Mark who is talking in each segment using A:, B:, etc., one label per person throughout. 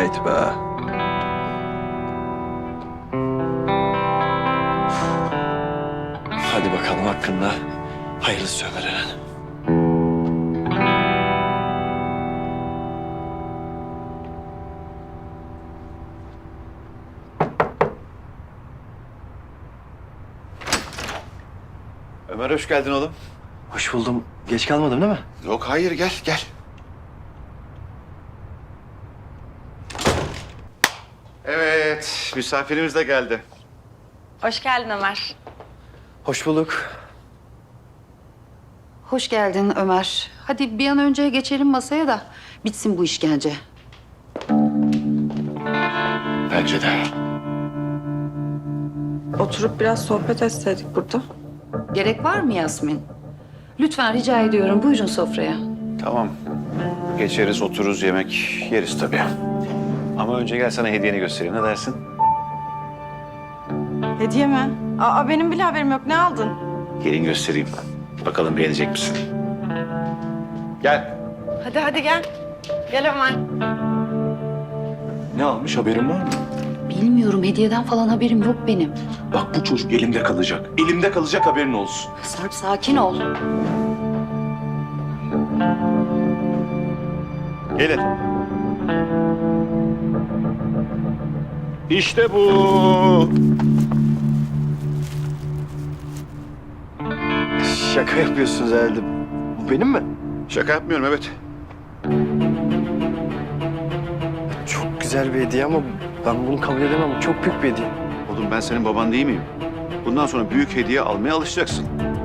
A: Haydi be. Hadi bakalım hakkında hayırlısı Ömer Eren.
B: Ömer hoş geldin oğlum.
A: Hoş buldum. Geç kalmadım değil mi?
B: Yok hayır gel gel. Evet misafirimiz de geldi.
C: Hoş geldin Ömer.
A: Hoş bulduk.
D: Hoş geldin Ömer. Hadi bir an önce geçelim masaya da bitsin bu işkence.
B: Bence de.
C: Oturup biraz sohbet etseydik burada.
D: Gerek var mı Yasmin? Lütfen rica ediyorum buyurun sofraya.
B: Tamam. Geçeriz otururuz yemek yeriz tabii. Ama önce gel sana hediyeni göstereyim ne dersin?
C: Hediye mi? Aa benim bile haberim yok. Ne aldın?
B: Gelin göstereyim. Bakalım beğenecek misin? Gel.
C: Hadi gel. Gel Ömer.
E: Ne almış haberin var mı?
D: Bilmiyorum hediyeden falan haberim yok benim.
E: Bak bu çocuk elimde kalacak. Elimde kalacak haberin olsun.
D: Sarp sakin ol.
B: Gelin. İşte bu.
A: Şaka yapıyorsunuz herhalde. Bu benim mi?
B: Şaka yapmıyorum evet.
A: Çok güzel bir hediye ama ben bunu kabul edemem. Çok büyük bir hediye.
B: Oğlum ben senin baban değil miyim? Bundan sonra büyük hediye almaya alışacaksın.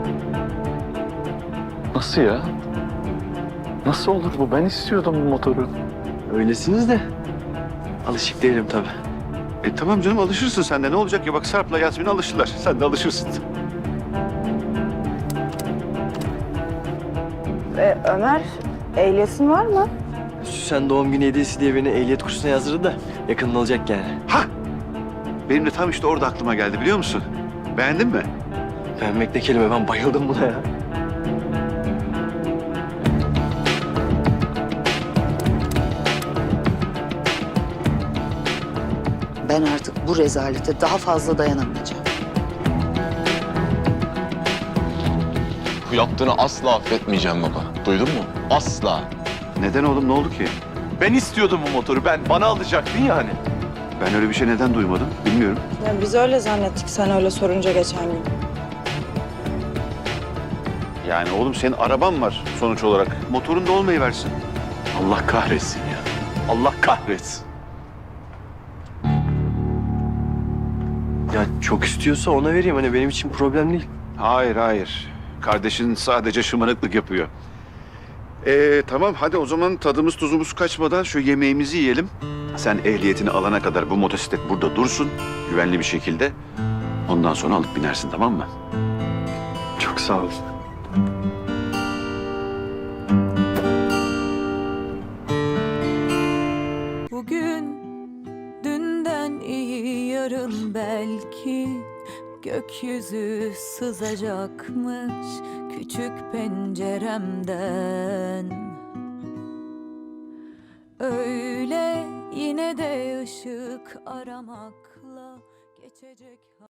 E: Nasıl ya? Nasıl olur bu? Ben istiyordum bu motoru.
A: Öylesiniz de alışık değilim tabii.
B: Tamam canım alışırsın sen de. Ne olacak ya bak Sarp'la Yasmin alışırlar. Sen de alışırsın.
C: Ömer, ehliyetin var mı?
A: Süsen doğum günü hediyesi diye beni ehliyet kursuna yazdırdı da yakında olacak yani.
B: Ha! Benim de tam işte orada aklıma geldi biliyor musun? Beğendin mi?
A: Beğenmek ne kelime, ben bayıldım buna ya.
D: Ben artık bu rezalete daha fazla dayanamayacağım.
F: Bu yaptığını asla affetmeyeceğim baba. Duydun mu? Asla.
B: Neden oğlum ne oldu ki?
E: Ben istiyordum bu motoru. Bana alacaktın ya hani.
B: Ben öyle bir şey neden duymadım bilmiyorum.
C: Ya biz öyle zannettik sen öyle sorunca geçen gün.
B: Yani oğlum senin araban var sonuç olarak. Motorun da olmayıversin.
E: Allah kahretsin ya. Allah kahretsin.
A: Ya çok istiyorsa ona vereyim, hani benim için problem değil.
B: Hayır hayır. Kardeşin sadece şımarıklık yapıyor. Tamam hadi o zaman tadımız tuzumuz kaçmadan şu yemeğimizi yiyelim. Sen ehliyetini alana kadar bu motosiklet burada dursun. Güvenli bir şekilde. Ondan sonra alıp binersin tamam mı?
A: Çok sağ ol.
G: Bugün dünden iyi yarın belki gökyüzü sızacakmış küçük penceremden. Öyle yine de ışık aramakla geçecek.